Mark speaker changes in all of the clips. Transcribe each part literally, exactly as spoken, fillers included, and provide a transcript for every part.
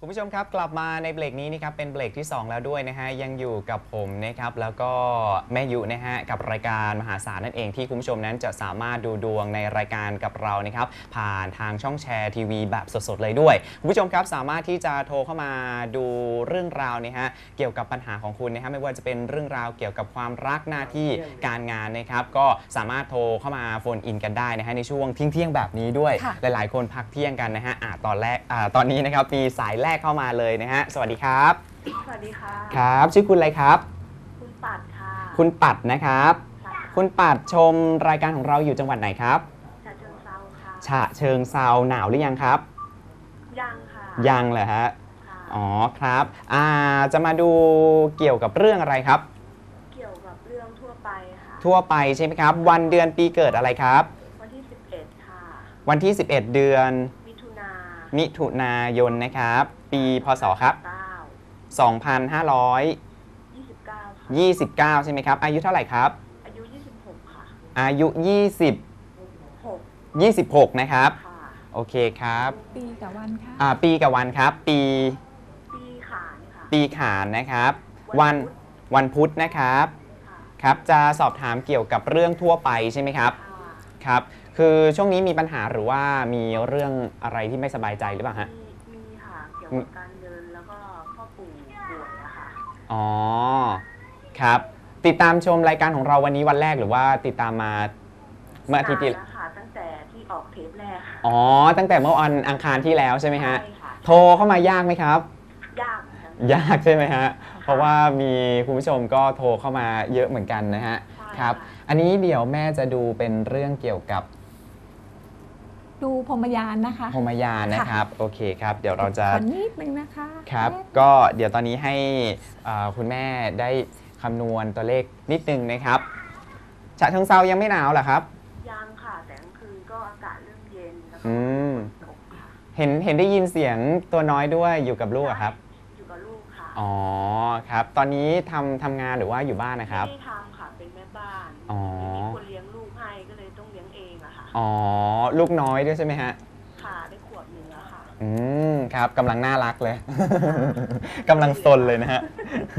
Speaker 1: คุณผู้ชมครับกลับมาในเบรกนี้นะครับเป็นเบรกที่สองแล้วด้วยนะฮะยังอยู่กับผมนะครับแล้วก็แม่ยุนะฮะกับรายการมหาศาลนั่นเองที่คุณผู้ชมนั้นจะสามารถดูดวงในรายการกับเรานะครับผ่านทางช่องแชร์ทีวีแบบสดๆเลยด้วยคุณผู้ชมครับสามารถที่จะโทรเข้ามาดูเรื่องราวนะฮะเกี่ยวกับปัญหาของคุณนะฮะไม่ว่าจะเป็นเรื่องราวเกี่ยวกับความรักหน้าที่การงานนะครับก็สามารถโทรเข้ามาโฟนอินกันได้นะฮะในช่วงเที่ยงๆแบบนี้ด้วยหลายๆคนพักเที่ยงกันนะฮะอ่าตอนแรกอ่าตอนนี้นะครับมีสายแรกเข้ามาเลยนะฮะสวัสดีครับ
Speaker 2: สวัสดีค่ะ
Speaker 1: ครับชื่อคุณอะไรครับ
Speaker 2: คุณปัดค่ะ
Speaker 1: คุณปัดนะครับคุณปัดชมรายการของเราอยู่จังหวัดไหนครับ
Speaker 2: ฉะเชิงเทราค่ะ
Speaker 1: ฉะเชิงเทราหนาวหรือยังครับ
Speaker 2: ยังค่ะ
Speaker 1: ยังเหรอฮะอ๋อครับอ่าจะมาดูเกี่ยวกับเรื่องอะไรครับ
Speaker 2: เกี่ยวกับเรื่องทั่วไปค่ะ
Speaker 1: ทั่วไปใช่ไหมครับวันเดือนปีเกิดอะไรครับ
Speaker 2: วันที่สิบเอ็ดค่ะ
Speaker 1: วันที่สิบเอ็ดเดือน
Speaker 2: มิถุนา
Speaker 1: มิถุนายนนะครับปีพ.ศ.ครับสองพันห้าร้อยยี่สิบเก้ายี่สิบเก้าใช่ไหมครับอายุเท่าไหร่ครับ
Speaker 2: อายุยี่สิบหกค่ะ
Speaker 1: อายุยี่สิบหก ยี่สิบหกนะครับโอเคครับ
Speaker 3: ปีกับวันค่ะ
Speaker 1: อ่าปีกับวันครับปี
Speaker 2: ปีขานค่ะ
Speaker 1: ปีขานนะครับวันวันพุธนะครับครับจะสอบถามเกี่ยวกับเรื่องทั่วไปใช่ไหมครับครับคือช่วงนี้มีปัญหาหรือว่ามีเรื่องอะไรที่ไม่สบายใจหรือเปล่าฮะ
Speaker 2: มีค่ะเกี่ยวกับการเงินแล้วก็พ่อปู่ป่วยอะค่ะ
Speaker 1: อ๋อครับติดตามชมรายการของเราวันนี้วันแรกหรือว่าติดตามมาเมื่ออาทิตย์ที่
Speaker 2: แล้วค่ะตั้งแต่ที่ออกเทปแรก
Speaker 1: อ๋อตั้งแต่เมื่อวันอังคารที่แล้วใช่ไหมฮะโทรเข้ามายากไหมครับ
Speaker 2: ยาก
Speaker 1: ยากใช่ไหมฮะเพราะว่ามีคุณผู้ชมก็โทรเข้ามาเยอะเหมือนกันนะฮะครับอันนี้เดี๋ยวแม่จะดูเป็นเรื่องเกี่ยวกับ
Speaker 3: ดูพรหมยานนะคะ
Speaker 1: พรหมยานนะครับโอเคครับเดี๋ยวเราจะ
Speaker 3: ขอนิดนึงนะคะ
Speaker 1: ครับก็เดี๋ยวตอนนี้ให้คุณแม่ได้คำนวณตัวเลขนิดนึงนะครับฉะเชิงเทรายังไม่หนาวเหรอครับ
Speaker 2: ยังค่ะแต่กลางคืนก็อากาศเริ่มเย็นแล้ว
Speaker 1: ก็ตกค่ะเห็นเห็นได้ยินเสียงตัวน้อยด้วยอยู่กับลูกครับ
Speaker 2: อยู่กับลูกค่ะ
Speaker 1: อ๋อครับตอนนี้ทำทำงานหรือว่าอยู่บ้านนะครับ
Speaker 2: ไม่ได้ทำค่ะเป็นแม่บ้าน
Speaker 1: อ๋อ
Speaker 2: มีคนเลี้ยงลูกให้ก็เลยต้องเลี้ยงเองอะค่ะ
Speaker 1: อ๋อลูกน้อยด้วยใช่ไหมฮะ
Speaker 2: ค่ะได้ขวบหนึ่งแล้วค่ะ
Speaker 1: อืมครับกำลังน่ารักเลยกำลังซนเลยนะฮะ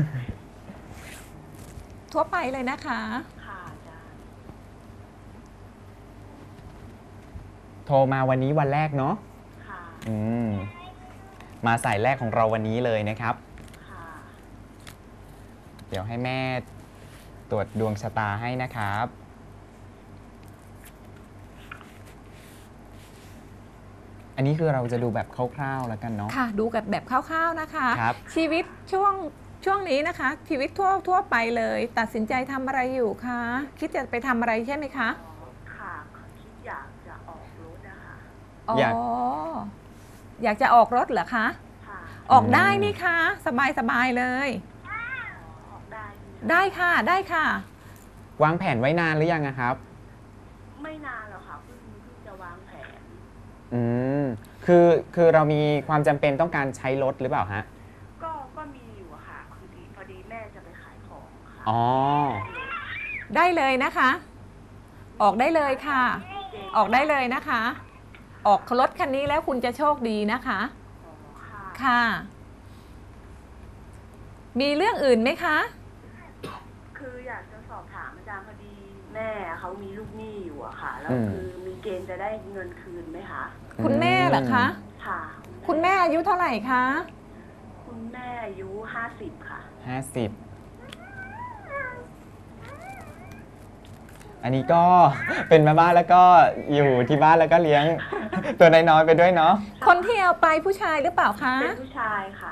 Speaker 3: ทั่วไปเลยนะคะ
Speaker 2: ค่ะจ้ะ
Speaker 1: โทรมาวันนี้วันแรกเนาะ
Speaker 2: ค่ะ
Speaker 1: อืมมาสายแรกของเราวันนี้เลยนะครับ
Speaker 2: ค่ะ
Speaker 1: เดี๋ยวให้แม่ตรวจดวงชะตาให้นะครับอันนี้คือเราจะดูแบบคร่าวๆแล้วกันเนาะ
Speaker 3: ค่ะดูกับแบบคร่าวๆนะคะ
Speaker 1: ครับ
Speaker 3: ชีวิตช่วงช่วงนี้นะคะชีวิตทั่วทั่วไปเลยตัดสินใจทำอะไรอยู่คะคิดจะไปทำอะไรใช่ไหมคะ
Speaker 2: ค่ะคิดอยากจะออกรถนะคะ
Speaker 3: อ๋ออยากจะออกรถเหรอคะ
Speaker 2: ค่ะ
Speaker 3: ออกได้นี่คะสบายสบายเลย
Speaker 2: ออกได้
Speaker 3: ได้ค่ะได้ค่ะ
Speaker 1: วางแผนไว้นานหรือยังครับ
Speaker 2: ไม่นานหรอกค่ะเพิ่งเพิ่งจะวางแผน
Speaker 1: อืมคือคือเรามีความจำเป็นต้องการใช้รถหรือเปล่าฮะ
Speaker 2: ก็ก็มีอยู่อะค่ะคือดีพอดีแม่จะไปขายของค่ะ
Speaker 1: อ๋อ
Speaker 3: ได้เลยนะคะออกได้เลยค่ะออกได้เลยนะคะออกรถคันนี้แล้วคุณจะโชคดีนะคะค่ะมีเรื่องอื่นไหมคะ
Speaker 2: คืออยากจะสอบถามอาจารย์พอดีแม่เขามีลูกหนี้อยู่อะค่ะแล้วคือมีเกณฑ์จะได้เงินคืนไหมคะ
Speaker 3: คุณแม่เหรอคะ
Speaker 2: ค่ะ
Speaker 3: คุณแม่อายุเท่าไหร่คะ
Speaker 2: คุณแม่อายุห้าสิบค่ะ
Speaker 1: ห้าสิบอันนี้ก็เป็นแม่บ้านแล้วก็อยู่ที่บ้านแล้วก็เลี้ยงตัวน้อยๆไปด้วยเนาะ
Speaker 3: คนที่เอาไปผู้ชายหรือเปล่าคะ
Speaker 2: เป็นผู้ชายค่ะ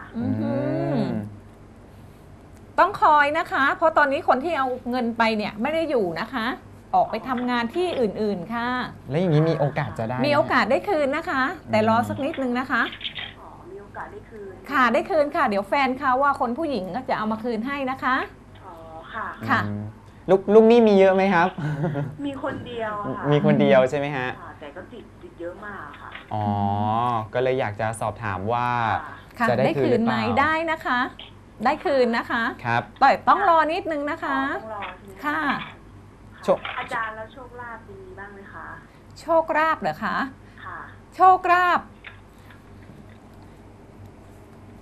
Speaker 3: ต้องคอยนะคะเพราะตอนนี้คนที่เอาเงินไปเนี่ยไม่ได้อยู่นะคะออกไปทำงานที่อื่นๆค่ะ
Speaker 1: แล้วอย่างนี้มีโอกาสจะได้
Speaker 3: มีโอกาสได้คืนนะคะแต่รอสักนิดนึงนะคะ
Speaker 2: อ๋อมีโอกาสได้คืน
Speaker 3: ค่ะได้คืนค่ะเดี๋ยวแฟนเขาว่าคนผู้หญิงก็จะเอามาคืนให้นะคะ
Speaker 2: อ๋อค่ะ
Speaker 3: ค่ะ
Speaker 1: ลูกลูกนี่มีเยอะไหมครับ
Speaker 2: มีคนเดียวค่ะ
Speaker 1: มีคนเดียวใช่ไหมฮะ
Speaker 2: แต่ก็ติดติดเยอะมากค่ะ
Speaker 1: อ๋อก็เลยอยากจะสอบถามว่า
Speaker 3: จะได้คืนไหมได้นะคะได้คืนนะคะ
Speaker 1: ครับ
Speaker 3: แต่ต้องรอนิดนึงนะคะ
Speaker 2: ต้องรอ
Speaker 3: ค่ะ
Speaker 2: อาจารย์แล้วโชคลาภมีบ้างไหมคะ
Speaker 3: โชคลาภเหรอคะ
Speaker 2: ค่ะ
Speaker 3: โชคลาภ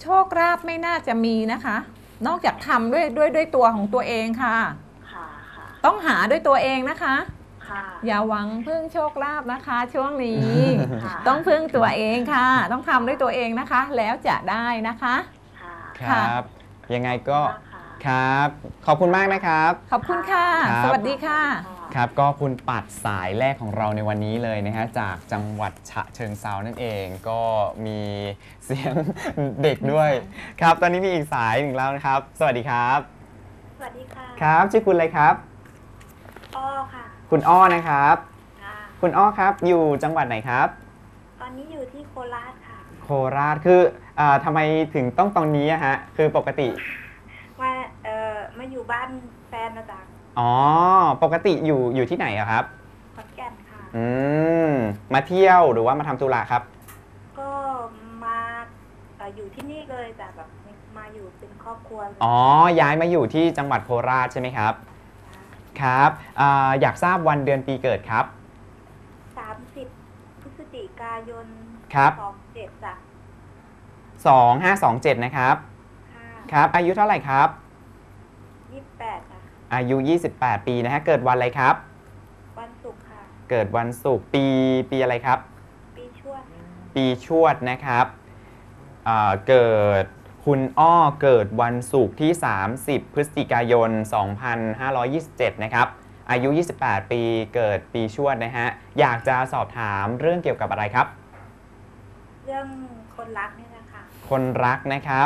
Speaker 3: โชคลาภไม่น่าจะมีนะคะ นอกจากทำด้วยด้วยด้วยตัวของตัวเองค่ะ
Speaker 2: ค่ะค่ะ
Speaker 3: ต้องหาด้วยตัวเองนะคะ
Speaker 2: ค่ะ
Speaker 3: อย่าหวังพึ่งโชคลาภนะคะ ช่วงนี้
Speaker 2: ค่ะ
Speaker 3: ต้องพึ่งตัวเองค่ะ ต้องทำด้วยตัวเองนะคะ แล้วจะได้นะคะ
Speaker 2: ค่ะ
Speaker 1: ครับ ยังไงก็
Speaker 2: ค่ะ
Speaker 1: ครับ ขอบคุณมากนะครับ
Speaker 3: ขอบคุณค่ะ
Speaker 1: ครับ
Speaker 3: สวัสดีค่ะ
Speaker 1: ครับก็คุณปัดสายแรกของเราในวันนี้เลยนะฮะจากจังหวัดฉะเชิงเทรานั่นเองก็มีเสียง เด็กด้วยครับตอนนี้มีอีกสายหนึ่งแล้วนะครับ สวัสดีครับ
Speaker 2: สวัสดีค่ะ
Speaker 1: ครับชื่อคุณอะไรครับ
Speaker 2: อ้อค่ะ
Speaker 1: คุณอ้อนะครับ
Speaker 2: ค่ะ
Speaker 1: คุณอ้อครับอยู่จังหวัดไหนครับ
Speaker 2: ตอนนี้อยู่ที่โคราชค่ะ
Speaker 1: โคราชคืออาทำไมถึงต้องตรงนี้อะฮะคือปกติ
Speaker 2: มาเอ่อมาอยู่บ้านแฟนนะจ๊ะ
Speaker 1: อ๋อปกติอยู่อยู่ที่ไหนอะครับ
Speaker 2: ขอนแก่นค่ะ
Speaker 1: อืมมาเที่ยวหรือว่ามาทำธุระครับ
Speaker 2: ก็มาเอ่ออยู่ที่นี่เลยแต่แบบมาอยู่เป็นครอบครัวเลย
Speaker 1: อ๋อย้ายมาอยู่ที่จังหวัดโคราชใช่ไหมครับครับอาอยากทราบวันเดือนปีเกิดครับ
Speaker 2: สามสิบพฤศจิกายน
Speaker 1: ครับ
Speaker 2: สองเจ็ดจ้ะ
Speaker 1: สองห้าสองเจ็ดนะครับ
Speaker 2: ค่ะ
Speaker 1: ครับอายุเท่าไหร่ครับ
Speaker 2: ยี่สิบแปดจ้ะ
Speaker 1: อายุ ยี่สิบแปด ปีนะฮะเกิดวันอะไรครับ
Speaker 2: วันศุกร์ค่ะ
Speaker 1: เกิดวันศุกร์ปีปีอะไรครับ
Speaker 2: ปีชวด
Speaker 1: ปีชวดนะครับอ่าเกิดคุณอ้อเกิดวันศุกร์ที่ สามสิบ พฤศจิกายน สองพันห้าร้อยยี่สิบเจ็ด นะครับ อายุ ยี่สิบแปด ปี เกิดปีชวดนะฮะ อยากจะสอบถามเรื่องเกี่ยวกับอะไรครับ
Speaker 2: เรื่องคนรักนี่แหละค่ะ
Speaker 1: คนรักนะครับ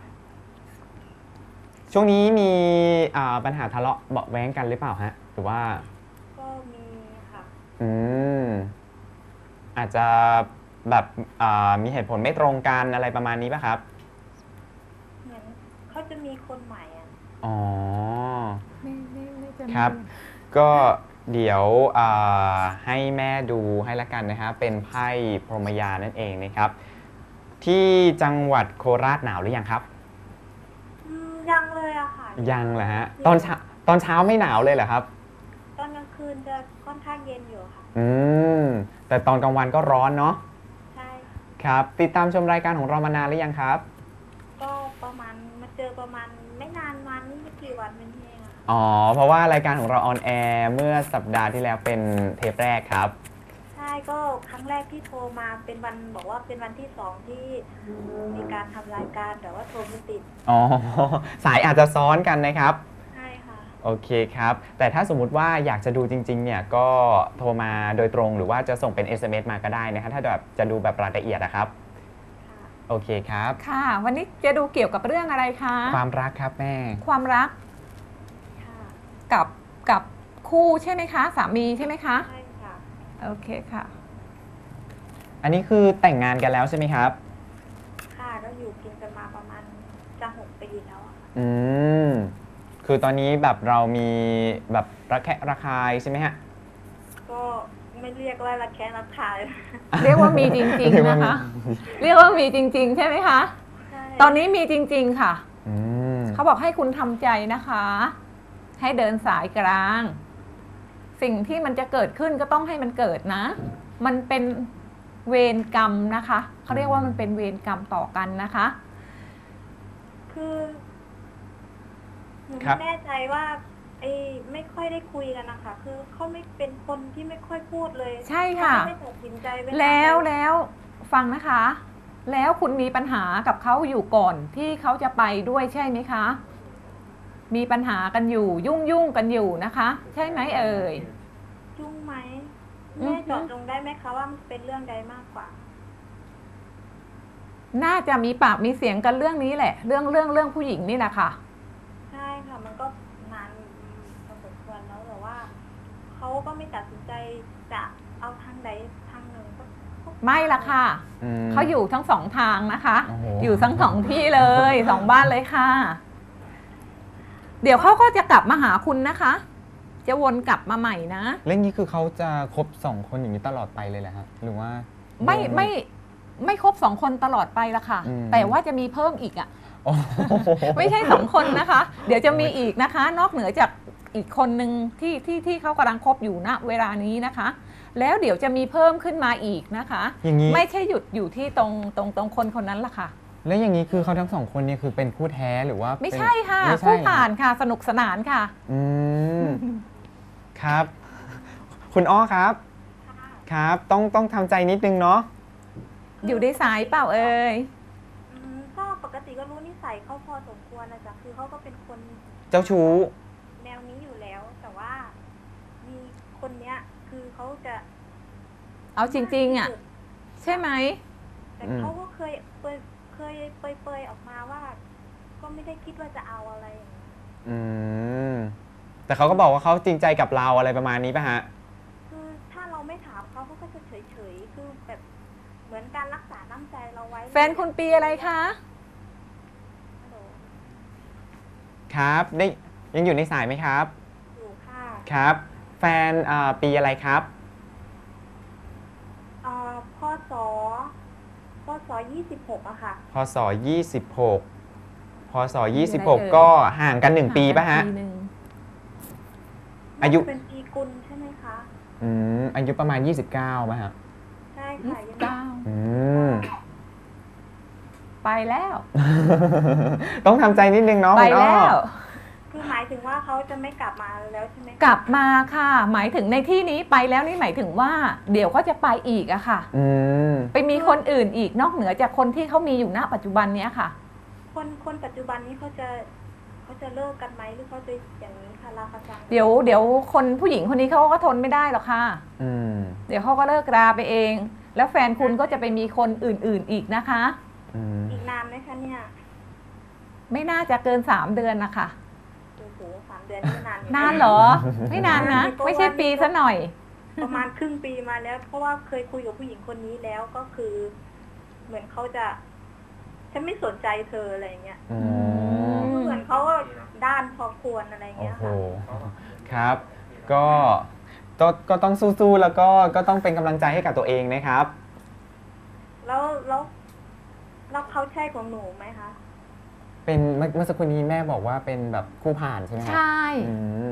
Speaker 1: ช่วงนี้มีอ่าปัญหาทะเลาะเบาะแว้งกันหรือเปล่าฮะ หรือว่า
Speaker 2: ก็มีค่ะ
Speaker 1: อืม อาจจะแบบอ่ามีเหตุผลไม่ตรงกันอะไรประมาณนี้ป่ะครับ
Speaker 2: เหมือนเขาจะมีคนใหม่อ่ะ
Speaker 1: อ๋อ
Speaker 3: ไม่ไม่ไม่จะมี
Speaker 1: ครับ ก็เดี๋ยวอ่าให้แม่ดูให้ละกันนะครับเป็นไพ่พรหมยานั่นเองนะครับ ที่จังหวัดโคราชหนาวหรือยังครับ
Speaker 2: อืมยังเลยอะค่ะ
Speaker 1: ยังเหรอฮะตอนเช้าตอนเช้าไม่หนาวเลยเหรอครับ
Speaker 2: ตอนกลางคืนจะค่อนข้างเย็นอยู่ค่ะ
Speaker 1: อืมแต่ตอนกลางวันก็ร้อนเนาะ
Speaker 2: ใช่
Speaker 1: ครับ ติดตามชมรายการของเรามานานหรือยังครับ
Speaker 2: ก็ประมาณมาเจอประมาณไม่นานวันนี้ไม่กี่วันเป็นเองอะ
Speaker 1: อ๋อเพราะว่ารายการของเราออนแอร์เมื่อสัปดาห์ที่แล้วเป็นเทปแรกครับ
Speaker 2: ใช่ก็ครั้งแรกที่โทรมาเป็นวันบอกว่าเป็นวันที่สองที่มีการทำรายการแต่ว่าโทรไม่ติด
Speaker 1: อ๋อสายอาจจะซ้อนกันนะครับ
Speaker 2: ใช่ค่ะ
Speaker 1: โอเคครับ แต่ถ้าสมมุติว่าอยากจะดูจริงๆ เนี่ย ก็โทรมาโดยตรง หรือว่าจะส่งเป็น เอส เอ็ม เอส มาก็ได้นะครับ ถ้าแบบจะดูแบบรายละเอียดนะครับ
Speaker 2: ค่ะ
Speaker 1: โอเคครับ
Speaker 3: ค่ะ วันนี้จะดูเกี่ยวกับเรื่องอะไรคะ
Speaker 1: ความรักครับแม่
Speaker 3: ความรัก
Speaker 2: ค่ะ
Speaker 3: กับกับคู่ใช่ไหมคะ สามีใช่ไหมคะ
Speaker 2: ใช่ค่ะ
Speaker 3: โอเคค่ะ
Speaker 1: อันนี้คือแต่งงานกันแล้วใช่ไหมครับ
Speaker 2: ค่ะก็อยู่กินกันมาประมาณจะหกปีแล้วอะค่ะ
Speaker 1: อืม คือตอนนี้แบบเรามีแบบระแคะระคายใช่ไหมฮะ
Speaker 2: ก็ไม่เรียกว่าระแคะระคาย
Speaker 3: เรียกว่ามีจริงๆนะคะ เรียกว่ามีจริง ๆ ใช่ไหมคะ
Speaker 2: ใช่
Speaker 3: ตอนนี้มีจริง ๆ ค่ะ
Speaker 1: อืม
Speaker 3: เขาบอกให้คุณทำใจนะคะ ให้เดินสายกลาง สิ่งที่มันจะเกิดขึ้นก็ต้องให้มันเกิดนะ มันเป็นเวรกรรมนะคะเขาเรียกว่ามันเป็นเวรกรรมต่อกันนะคะ
Speaker 2: คือหนู
Speaker 1: ครั
Speaker 2: ไม่
Speaker 1: บ
Speaker 2: แน่ใจว่าไอ้ไม่ค่อยได้คุยกันนะคะ คือเขาไม่เป็นคนที่ไม่ค่อยพูดเลย
Speaker 3: ใช่ค่ะ
Speaker 2: เขาไม่ได้ตัดสินใจเา
Speaker 3: แล้ว
Speaker 2: ไป
Speaker 3: แล้วฟังนะคะ แล้วคุณมีปัญหากับเขาอยู่ก่อนที่เขาจะไปด้วยใช่ไหมคะ มีปัญหากันอยู่ยุ่งยุ่งกันอยู่นะคะ ใช่ไหมเอ่ย
Speaker 2: ยุ่งไหม
Speaker 3: อือฮึ
Speaker 2: แม่เจาะจงได้ไหมคะว่ามันเป็นเรื่องใดมากกว่า
Speaker 3: น่าจะมีปากมีเสียงกันเรื่องนี้แหละ เรื่องเรื่องเรื่องผู้หญิงนี่แหละค่ะ
Speaker 2: ใช่ค่ะ มันก็นานพอสมควรแล้วแต่ว่าเขาก็ไม่ตัดสินใจจะเอาทางใดทางหนึ่งก็ก็
Speaker 3: ไม่ละค่ะ
Speaker 1: อืม
Speaker 3: เขาอยู่ทั้งสองทางนะคะ
Speaker 1: โอ้โห
Speaker 3: อยู่ทั้งสองที่เลย สองบ้านเลยค่ะ เดี๋ยวเขาก็จะกลับมาหาคุณนะคะ จะวนกลับมาใหม่นะ
Speaker 1: เรื่องนี้คือเขาจะคบสองคนอย่างนี้ตลอดไปเลยแหละฮะหรือว่า
Speaker 3: ไม่ไม่ไม่ครบสองคนตลอดไปละค่ะ
Speaker 1: อืม
Speaker 3: แต่ว่าจะมีเพิ่มอีกอ่ะ
Speaker 1: โอ้โห
Speaker 3: ไม่ใช่สองคนนะคะ เดี๋ยวจะมีอีกนะคะ นอกเหนือจากอีกคนหนึ่งที่ที่ที่เขากำลังคบอยู่ณเวลานี้นะคะ แล้วเดี๋ยวจะมีเพิ่มขึ้นมาอีกนะคะ
Speaker 1: อย่างนี้
Speaker 3: ไม่ใช่หยุดอยู่ที่ตรงตรงตรงคนคนนั้นละค่ะ
Speaker 1: แล้วอย่างนี้คือเขาทั้งสองคนเนี่ยคือเป็นคู่แท้หรือว่า
Speaker 3: ไม่
Speaker 1: เป็น
Speaker 3: ใช่ค่ะ
Speaker 1: ไม่ใช่
Speaker 3: ผู้ผ่านค่ะ สนุกสนานค่ะ
Speaker 1: อืมครับ คุณอ้อครับ ครับ ต้องต้องทำใจนิดนึงเนาะ
Speaker 3: อยู่ในสายเปล่าเอ่ย
Speaker 4: อืมก็ปกติก็รู้นิสัยเขาพอสมควรนะจ๊ะคือเขาก็เป็นคน
Speaker 1: เจ้าชู้
Speaker 4: แนวนี้อยู่แล้ว แต่ว่ามีคนเนี้ย คือเขาจะ
Speaker 3: เอาจริงๆอ่ะ ใช่ไหม
Speaker 4: แต่
Speaker 1: อืม
Speaker 4: เขาก็เคยเปยเคยเปยเปยๆออกมาว่า ก็ไม่ได้คิดว่าจะเอาอะไรอย่างเงี้ย
Speaker 1: อืมแต่เขาก็บอกว่าเขาจริงใจกับเราอะไรประมาณนี้ป่ะฮะ
Speaker 4: คือถ้าเราไม่ถามเขาเขาก็จะเฉยเฉยๆคือแบบเหมือนการรักษาน้ำใจเราไว้
Speaker 3: แฟนคุณปีอะไรคะ
Speaker 4: ฮัลโหล
Speaker 1: ครับได้ยังอยู่ในสายไหมครับ
Speaker 4: อยู่ค่ะ
Speaker 1: ครับ แฟนอ่าปีอะไรครับ
Speaker 4: เอ่อพศพศยี่สิบหกอะค่ะ
Speaker 1: พศยี่สิบหกพศยี่สิบหก
Speaker 3: เอ่ย
Speaker 1: ก็ห่างกันหนึ่งปีป่ะฮะ
Speaker 3: ปีหนึ่ง
Speaker 1: อายุ
Speaker 4: น่จะเป็นปีกุลใช่ไหมคะ
Speaker 1: อืมอายุประมาณยี่สิบเก้าป่ะฮะ
Speaker 4: ใช่
Speaker 3: ยี่
Speaker 4: ค่ะ
Speaker 3: สิ
Speaker 4: ยั
Speaker 3: บ
Speaker 4: ง
Speaker 3: เก้า
Speaker 1: อืม
Speaker 3: ไปแล้ว
Speaker 1: ต้องทำใจนิดนึงเนาะ
Speaker 3: ไป
Speaker 1: คุณอ้อ
Speaker 3: แล้ว
Speaker 4: คือหมายถึงว่าเขาจะไม่กลับมาแล้วใช่ไหมคะ
Speaker 3: กลับมาค่ะ หมายถึงในที่นี้ไปแล้วนี่หมายถึงว่า เดี๋ยวก็จะไปอีกอะค่ะ
Speaker 1: อืม
Speaker 3: ไปมีคนอื่นอีกนอกเหนือจากคนที่เขามีอยู่ณปัจจุบันเนี้ยค่ะ
Speaker 4: คนคนปัจจุบันนี้เขาจะเขาจะเลิกกันไหมหรือเขาจะอย่างนี้ค่ะลาคาซัง
Speaker 3: เดี๋ยวเดี๋ยวคนผู้หญิงคนนี้เขาก็ทนไม่ได้หรอกค่ะ
Speaker 1: อืม
Speaker 3: เดี๋ยวเขาก็เลิกราไปเอง แล้วแฟนคุณก็จะไปมีคนอื่นๆอีกนะคะ
Speaker 1: อืม
Speaker 4: อีกนานไหมคะเนี่ย
Speaker 3: ไม่น่าจะเกินสามเดือนนะคะ
Speaker 4: โอ้โหสามเดือนนี่นานอยู่
Speaker 3: นานเหรอ ไม่นานนะ ไม่ใช่ปีซะหน่อย
Speaker 4: ประมาณครึ่งปีมาแล้ว เพราะว่าเคยคุยกับผู้หญิงคนนี้แล้วก็คือ เหมือนเขาจะฉันไม่สนใจเธออะไรอย่างเงี้ย
Speaker 1: อื
Speaker 3: ม
Speaker 1: ม
Speaker 4: เหมือนเขาก็ด้านพอควรอะไรอย่าง
Speaker 1: โอ้
Speaker 4: เงี้ย
Speaker 1: โห
Speaker 4: ค่ะ
Speaker 1: ครับ ก็ก็ก็ต้องสู้ๆ แล้วก็ก็ต้องเป็นกำลังใจให้กับตัวเองนะครับ
Speaker 4: แล้วแล้วแล้วเขาใช่ของหนูไหมคะ
Speaker 1: เป็นเมื่อเมื่อสักครู่นี้แม่บอกว่าเป็นแบบคู่ผ่านใช่ไหมครั
Speaker 3: ใช่
Speaker 1: อืม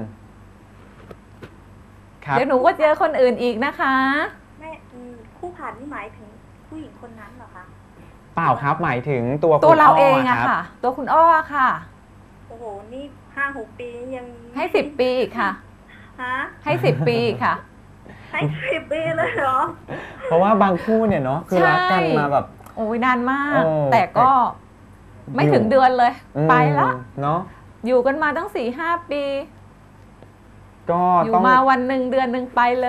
Speaker 1: ครับ
Speaker 3: เดี๋ยวหนูก็เจอคนอื่นอีกนะคะ
Speaker 4: ไม่อืมคู่ผ่านนี่หมายถึงผู้หญิงคนนั้นเหรอคะ
Speaker 1: เปล่าครับหมายถึงตัว
Speaker 3: ตัว
Speaker 1: คุณ
Speaker 3: เรา
Speaker 1: อ้
Speaker 3: เองอะ
Speaker 1: รับ
Speaker 3: ค่ะ ตัวคุณอ้อค่ะ
Speaker 4: โอ้โห นี่ห้าหกปียัง
Speaker 3: ให้สิบปีอีกค่ะ
Speaker 4: ฮะ
Speaker 3: ให้สิบปีอีกค่ะ
Speaker 4: ให้สิบปีเลยเหรอ
Speaker 1: เพราะว่าบางคู่เนี่ยเนาะคือ
Speaker 3: ใช่
Speaker 1: รักกันมาแบบ
Speaker 3: โอ้ยนานมาก
Speaker 1: โอ้
Speaker 3: แต่ก็ไม่ถึงเดือนเลย
Speaker 1: อืม
Speaker 3: ไปละ
Speaker 1: เนาะ
Speaker 3: อยู่กันมาตั้งสี่ห้าปี
Speaker 1: ก็
Speaker 3: อยู่
Speaker 1: ต้อง
Speaker 3: มาวันหนึ่งเดือนหนึ่งไปเลย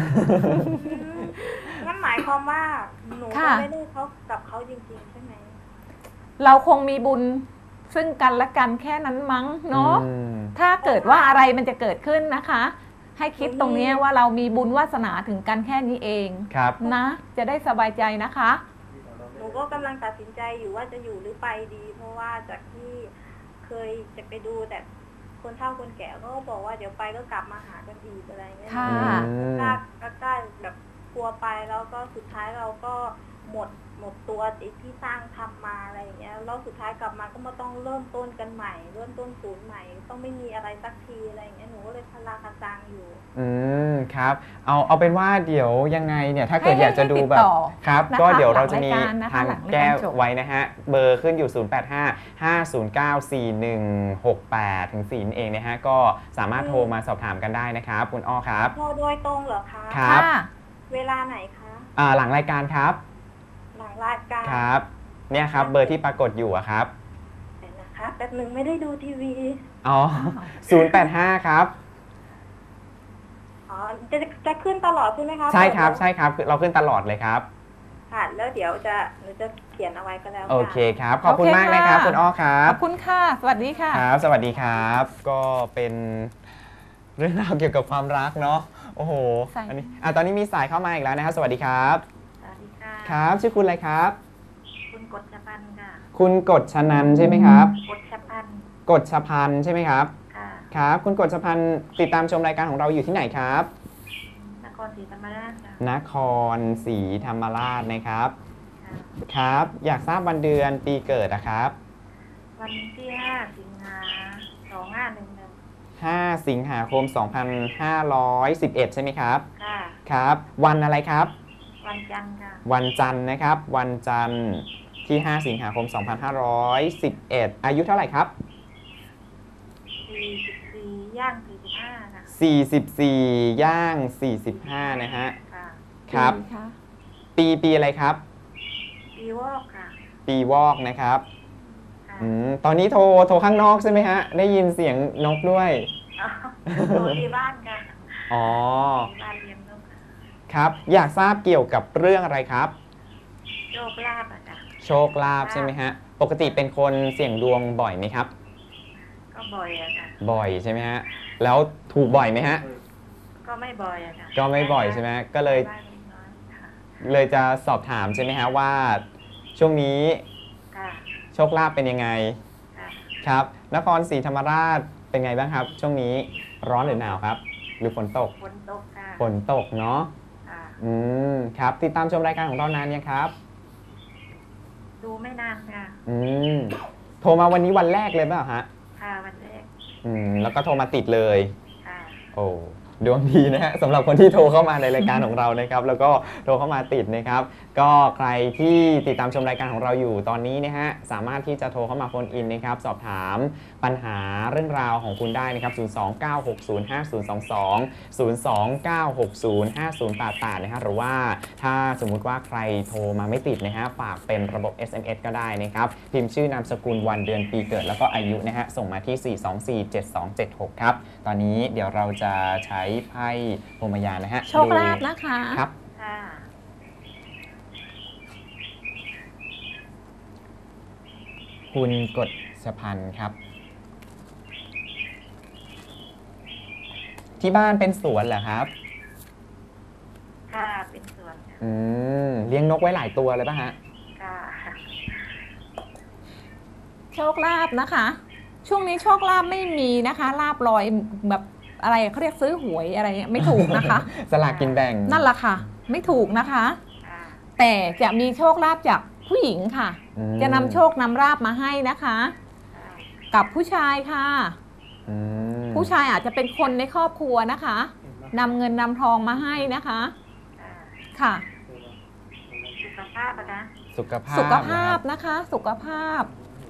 Speaker 4: งั้นหมายความว่าหนู
Speaker 3: ค่ะ
Speaker 4: ก็ไม่ได้เขากับเขาจริงๆใช่ไหม
Speaker 3: เราคงมีบุญซึ่งกันและกันแค่นั้นมั้งเนาะ
Speaker 1: อืม
Speaker 3: ถ้าเกิดว่าอะไรมันจะเกิดขึ้นนะคะ ให้คิดตรงเนี้ยว่าเรามีบุญวาสนาถึงกันแค่นี้เอง
Speaker 1: ครับ
Speaker 3: นะ จะได้สบายใจนะคะ
Speaker 4: หนูก็กำลังตัดสินใจอยู่ว่าจะอยู่หรือไปดี เพราะว่าจากที่เคยจะไปดูแต่คนเฒ่าคนแก่ก็บอกว่าเดี๋ยวไปก็กลับมาหากันอีกอะไรเงี้ย
Speaker 3: ค่ะ
Speaker 1: อืม
Speaker 4: กล้ากล้ากล้าแบบกลัวไปแล้วก็สุดท้ายเราก็หมดหมดตัวไอ้ที่สร้างทำมาอะไรอย่างเงี้ยแล้วสุดท้ายกลับมาก็มาต้องเริ่มต้นกันใหม่ เริ่มต้นศูนย์ใหม่ ต้องไม่มีอะไรสักทีอะไรอย่างเงี้ยหนูก็เลยพลาคาซังอยู่
Speaker 1: อืมครับเอาเอาเป็นว่าเดี๋ยวยังไงเนี่ยถ้าเกิด
Speaker 3: ให้
Speaker 1: อยากจะดูแบบ
Speaker 3: ให้ติดต่อ
Speaker 1: ครับ
Speaker 3: นะคะ
Speaker 1: ก็เดี๋ยวเราจะมี
Speaker 3: หลังรายการนะคะ
Speaker 1: ทาง
Speaker 3: หลังรายการ
Speaker 1: แก้
Speaker 3: จบ
Speaker 1: ไว้นะฮะเบอร์ขึ้นอยู่ ศูนย์ แปด ห้า ห้า ศูนย์ เก้า สี่ หนึ่ง หก แปด ถึง สี่นั่นเองนะฮะก็สามารถโทรมาสอบถามกันได้นะครับคุณอ้อครับ
Speaker 4: โทรโดยตรงเหรอคะ
Speaker 1: ครับ
Speaker 3: ค่ะ
Speaker 4: เวลาไหนคะ
Speaker 1: อ่าหลังรายการครับ
Speaker 4: หลังรายการ
Speaker 1: ครับเนี่ยครับเบอร์ที่ปรากฏอยู่อะครับ
Speaker 4: เดี๋ยวนะคะแป๊บหนึ่งไม่ได้ดูทีวี
Speaker 1: อ๋อ ศูนย์ แปด ห้า ครับ
Speaker 4: อ๋อจะจะขึ้นตลอดใช่ไหมคะ
Speaker 1: ใช่ครับ
Speaker 4: เปิด
Speaker 1: ใช่ครับเราขึ้นตลอดเลยครับ
Speaker 4: ค่ะแล้วเดี๋ยวจะหนูจะเขียนเอาไว้ก็แล้วกัน
Speaker 1: โอเคครับ ขอบคุณ
Speaker 3: โอเค
Speaker 1: มากนะครับ
Speaker 3: ค่ะ
Speaker 1: คุณอ้อครั
Speaker 3: ข
Speaker 1: บ
Speaker 3: อบคุณค่ะ สวัสดีค่ะ
Speaker 1: ครับ สวัสดีครับ ก็เป็นเรื่องราวเกี่ยวกับความรักเนาะโอ้โห
Speaker 3: ใช่
Speaker 1: อันนี้อ่ะตอนนี้มีสายเข้ามาอีกแล้วนะครับสวัสดีครับ
Speaker 4: สวัสดีค่ะ
Speaker 1: ครับ ชื่อคุณอะไรครับ
Speaker 4: คุณกฎชพันธ์ค่ะ
Speaker 1: คุณกฎชนันท์ใช่ไหมครับ
Speaker 4: กฎชพันธ์
Speaker 1: กฎชพันธ์ใช่ไหมครับ
Speaker 4: ค่ะ
Speaker 1: ครับ คุณกฎชพันธ์ติดตามชมรายการของเราอยู่ที่ไหนครับ
Speaker 4: นครศรีธรรมราชค่ะ
Speaker 1: นครศรีธรรมราชนะครับ
Speaker 4: ค่ะ
Speaker 1: ครับ อยากทราบวันเดือนปีเกิดนะครับ
Speaker 4: วันที่ห้าสิงหาสองห้าหนึ่งหนึ่ง
Speaker 1: ห้า สิงหาคม สองพันห้าร้อยสิบเอ็ด ใช่ไหมครับ
Speaker 4: ค่ะ
Speaker 1: ครับ วันอะไรครับ
Speaker 4: วันจันทร์ค่ะ
Speaker 1: วันจันทร์นะครับ วันจันทร์ทที่ ห้า สิงหาคม สองพันห้าร้อยสิบเอ็ด อายุเท่าไหร่ครับ
Speaker 2: สี่สิบสี่ย่างสี่สิบห้าค่ะ
Speaker 1: สี่สิบสี่ ย่าง สี่สิบห้า นะฮะ
Speaker 2: ค่ะ
Speaker 1: ครับ
Speaker 3: ดีค่ะ
Speaker 1: ปีปีอะไรครับ
Speaker 2: ปีวอกค่ะ
Speaker 1: ปีวอกนะครับ
Speaker 2: ค่ะ
Speaker 1: อืมตอนนี้โทรโทรข้างนอกใช่ไหมฮะ ได้ยินเสียงนกด้วย
Speaker 2: อ๋อโตที่บ้านค่ะ
Speaker 1: อ๋อ
Speaker 2: ที่บ้านเลี้ยงนกค่ะ
Speaker 1: ครับ อยากทราบเกี่ยวกับเรื่องอะไรครับ
Speaker 2: โชคลาภอ่ะจ้ะ
Speaker 1: โชคลาภใช่ไหมฮะ ปกติเป็นคนเสี่ยงดวงบ่อยไหมครับ
Speaker 2: ก็บ่อยอะค่ะ
Speaker 1: บ่อยใช่ไหมฮะ แล้วถูกบ่อยไหมฮะ
Speaker 2: ก็ไม่บ่อยอะค่ะ
Speaker 1: ก็ไม่บ่อยใช่ไหมก็เลย
Speaker 2: บ้านน้อยค่ะ
Speaker 1: เลยจะสอบถามใช่ไหมฮะว่า ช่วงนี้
Speaker 2: ค่ะ
Speaker 1: โชคลาภเป็นยังไง
Speaker 2: ค่ะ
Speaker 1: ครับ นครศรีธรรมราชเป็นไงบ้างครับ ช่วงนี้ร้อนหรือหนาวครับ หรือฝนตก
Speaker 2: ฝนตกค่ะ
Speaker 1: ฝนตกเนาะ
Speaker 2: ค่ะ
Speaker 1: อืม ครับ ติดตามชมรายการของเรานานยังครับ
Speaker 2: ดูไม่นานค่ะ
Speaker 1: อืม โทรมาวันนี้วันแรกเลยเปล่าฮะ
Speaker 2: ค่ะวันแรก
Speaker 1: อืม แล้วก็โทรมาติดเลย
Speaker 2: ค่ะ
Speaker 1: โอ้ดวงดีนะฮะสำหรับคนที่โทรเข้ามาในรายการของเรานะครับ แล้วก็โทรเข้ามาติดนะครับ ก็ใครที่ติดตามชมรายการของเราอยู่ตอนนี้นะฮะสามารถที่จะโทรเข้ามาโฟนอินนะครับ สอบถามปัญหาเรื่องราวของคุณได้นะครับ ศูนย์ สอง เก้า หก ศูนย์ ห้า ศูนย์ สอง สอง ศูนย์ สอง เก้า หก ศูนย์ ห้า ศูนย์ แปด แปด นะฮะหรือว่าถ้าสมมุติว่าใครโทรมาไม่ติดนะฮะฝากเป็นระบบ เอส เอ็ม เอส ก็ได้นะครับพิมพ์ชื่อนามสกุลวันเดือนปีเกิดแล้วก็อายุนะฮะส่งมาที่ สี่ สอง สี่ เจ็ด สอง เจ็ด หก ครับตอนนี้เดี๋ยวเราจะใช้ไพ่พรหมยานนะฮะ
Speaker 3: โชคลาภนะคะ
Speaker 1: ครับ
Speaker 2: ค่ะ
Speaker 1: คุณกฎชพันธ์ครับ ที่บ้านเป็นสวนเหรอครับ
Speaker 2: ค่ะเป็นสวนค่ะ
Speaker 1: อืมเลี้ยงนกไว้หลายตัวเลยป่ะฮะ
Speaker 2: ค่ะ
Speaker 3: โชคลาภนะคะ ช่วงนี้โชคลาภไม่มีนะคะ ลาบลอยแบบอะไรเขาเรียกซื้อหวยอะไรเนี่ยไม่ถูกนะคะ
Speaker 1: สลากกินแบ่ง
Speaker 3: นั่นแหละค่ะ ไม่ถูกนะคะ
Speaker 2: ค่ะ
Speaker 3: แต่จะมีโชคลาภจากผู้หญิงค่ะ
Speaker 1: อืม
Speaker 3: จะนำโชคนำลาภมาให้นะคะ
Speaker 2: ค่ะ
Speaker 3: กับผู้ชายค่ะ
Speaker 1: อืม
Speaker 3: ผู้ชายอาจจะเป็นคนในครอบครัวนะคะนำเงินนำทองมาให้นะคะ
Speaker 2: ค่ะ
Speaker 3: ค่ะ
Speaker 2: สุขภาพอะนะ
Speaker 1: สุขภาพ
Speaker 3: สุขภาพ
Speaker 1: นะครับ
Speaker 3: นะคะ สุขภาพ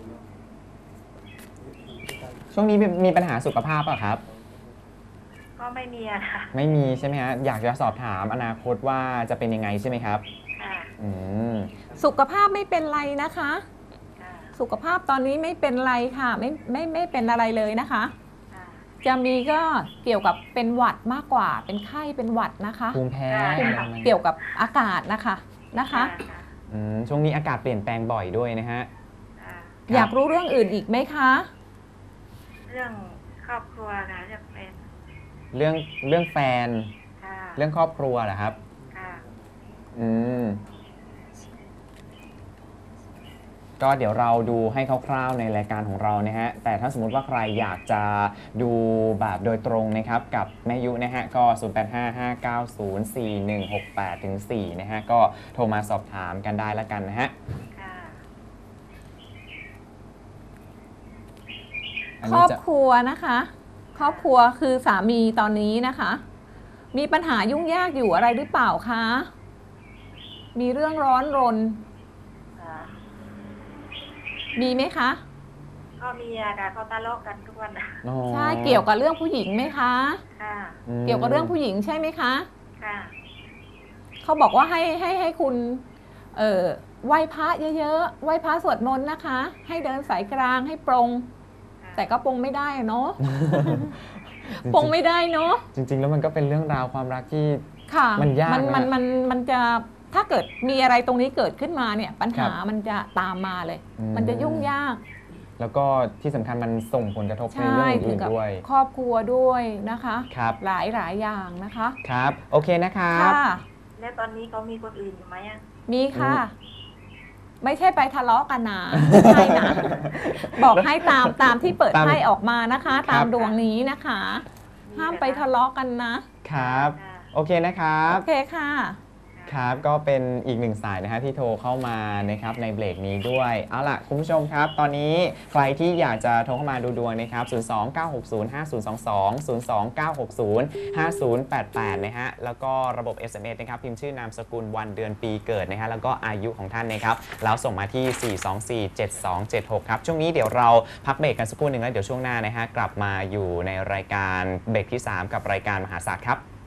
Speaker 1: ช่วงนี้มีมีปัญหาสุขภาพป่ะครับ
Speaker 2: ก็ไม่มีอะค่ะ
Speaker 1: ไม่มีใช่ไหมฮะอยากจะสอบถามอนาคตว่าจะเป็นยังไงใช่ไหมครับ
Speaker 2: ค่ะ
Speaker 1: อืม
Speaker 3: สุขภาพไม่เป็นไรนะคะ
Speaker 2: ค่ะ
Speaker 3: สุขภาพตอนนี้ไม่เป็นไรค่ะ ไม่ไม่ไม่เป็นอะไรเลยนะคะ
Speaker 2: ค่ะ
Speaker 3: จะมีก็เกี่ยวกับเป็นหวัดมากกว่า เป็นไข้เป็นหวัดนะคะ
Speaker 1: ภูมิแพ้
Speaker 2: ค่ะ
Speaker 1: อะไรประมาณนี้
Speaker 3: เกี่ยวกับอากาศนะคะนะคะ
Speaker 2: ค่ะ
Speaker 1: อืมช่วงนี้อากาศเปลี่ยนแปลงบ่อยด้วยนะฮะ
Speaker 2: ค่ะ
Speaker 3: อยากรู้เรื่องอื่นอีกไหมคะ
Speaker 2: เรื่องครอบครัวค่ะเรื่องแฟน
Speaker 1: เรื่องเรื่องแฟน
Speaker 2: ค่ะ
Speaker 1: เรื่องครอบครัวเหรอครับ
Speaker 2: ค่ะ
Speaker 1: อืม ก็เดี๋ยวเราดูให้คร่าวๆในรายการของเรานะฮะ แต่ถ้าสมมุติว่าใครอยากจะดูแบบโดยตรงนะครับกับแม่ยุนะฮะ ก็ ศูนย์ แปด ห้า ห้า เก้า ศูนย์ สี่ หนึ่ง หก แปด สี่ นะฮะ ก็โทรมาสอบถามกันได้แล้วกันนะฮะ
Speaker 2: ค่ะ
Speaker 1: อัน
Speaker 3: คร
Speaker 1: นี้
Speaker 3: อบ
Speaker 1: จะ
Speaker 3: ครัวนะคะ ครอบครัวคือสามีตอนนี้นะคะ มีปัญหายุ่งยากอยู่อะไรหรือเปล่าคะ มีเรื่องร้อนรน
Speaker 2: ค่ะ
Speaker 3: มีไหมคะ
Speaker 2: ก็มีอะค่ะเขาทะเลาะกันทุกวันอะ
Speaker 1: อ๋อ
Speaker 3: ใช่เกี่ยวกับเรื่องผู้หญิงไหมคะ
Speaker 2: ค่ะ
Speaker 1: อืม
Speaker 3: เกี่ยวกับเรื่องผู้หญิงใช่ไหมคะ
Speaker 2: ค่ะ
Speaker 3: เขาบอกว่าให้ให้ให้คุณเอ่อไหว้พระเยอะๆไหว้พระสวดมนต์นะคะ ให้เดินสายกลางให้ปรง แต่ก็ปรงไม่ได้อะเนาะ ปรงไม่ได้เนาะ
Speaker 1: จริงๆ แล้วมันก็เป็นเรื่องราวความรักที่
Speaker 3: ค่ะ
Speaker 1: มันยาก
Speaker 3: มัน
Speaker 1: นะ
Speaker 3: มันมันมันจะถ้าเกิดมีอะไรตรงนี้เกิดขึ้นมาเนี่ย ปัญหา
Speaker 1: ครับ
Speaker 3: มันจะตามมาเลย
Speaker 1: อืม
Speaker 3: มันจะยุ่งยาก
Speaker 1: แล้วก็ที่สำคัญมันส่งผลกระทบใน
Speaker 3: ใช่
Speaker 1: เรื่อง
Speaker 3: ถึ
Speaker 1: อื่
Speaker 3: ง
Speaker 1: น
Speaker 3: กับ
Speaker 1: ๆด้วย
Speaker 3: ครอบครัวด้วยนะคะ
Speaker 1: ครับ
Speaker 3: หลายหลายอย่างนะคะ
Speaker 1: ครับ โอเคนะครับ
Speaker 3: ค่ะ
Speaker 2: แล้วตอนนี้เขามีคนอื่นอยู่ไหมอะ
Speaker 3: มีค่ะ ไม่ใช่ไปทะเลาะกันนะไม่ใช่นะ บอกให้ตามตามที่เปิด
Speaker 1: ตาม
Speaker 3: ไพ่ออกมานะคะ
Speaker 1: ครับ
Speaker 3: ตามดวงนี้นะคะ ห้ามไปทะเลาะกันนะ
Speaker 1: ครับ
Speaker 2: ค่ะ
Speaker 1: โอเคนะครับ
Speaker 3: โอเคค่ะ
Speaker 1: ครับก็เป็นอีกหนึ่งสายนะฮะที่โทรเข้ามานะครับในเบรกนี้ด้วยเอาล่ะคุณผู้ชมครับตอนนี้ใครที่อยากจะโทรเข้ามาดูดวงนะครับศูนย์ สอง เก้า หก ศูนย์ ห้า ศูนย์ สอง สอง ศูนย์ สอง เก้า หก ศูนย์ ห้า ศูนย์ แปด แปดนะฮะแล้วก็ระบบ เอส เอ็ม เอส นะครับพิมพ์ชื่อนามสกุลวันเดือนปีเกิดนะฮะแล้วก็อายุของท่านนะครับแล้วส่งมาที่ สี่ สอง สี่ เจ็ด สอง เจ็ด หก ครับช่วงนี้เดี๋ยวเราพักเบรกกันสักครู่หนึ่งแล้วเดี๋ยวช่วงหน้านะฮะกลับมาอยู่ในรายการเบรกที่สามกับรายการมหาศาสตร์ครับ